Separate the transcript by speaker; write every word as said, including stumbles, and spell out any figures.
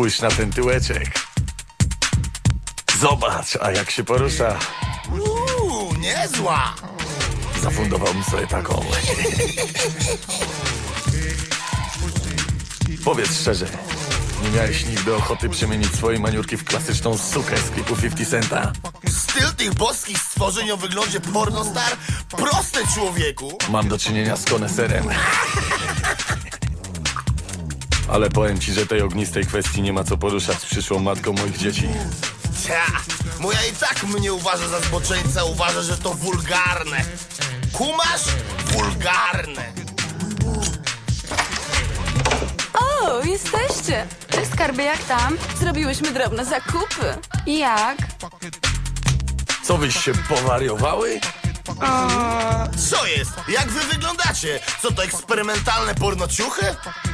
Speaker 1: Spójrz na ten tyłeczek. Zobacz, a jak się porusza.
Speaker 2: Uuu, niezła!
Speaker 1: Zafundowałbym sobie taką. Powiedz szczerze, nie miałeś nigdy ochoty przemienić swojej maniurki w klasyczną sukę z klipu pięćdziesiąt centa?
Speaker 2: Styl tych boskich stworzeń o wyglądzie pornostar? Proste, człowieku!
Speaker 1: Mam do czynienia z koneserem. Ale powiem ci, że tej ognistej kwestii nie ma co poruszać z przyszłą matką moich dzieci.
Speaker 2: Cia, moja i tak mnie uważa za zboczeńca, uważa, że to wulgarne. Kumasz? Wulgarne.
Speaker 3: O, jesteście! Cześć, skarbie, jak tam? Zrobiłyśmy drobne zakupy. Jak?
Speaker 1: Co wyś się powariowały?
Speaker 2: Co jest? Jak wy wyglądacie? Co to, eksperymentalne pornociuchy?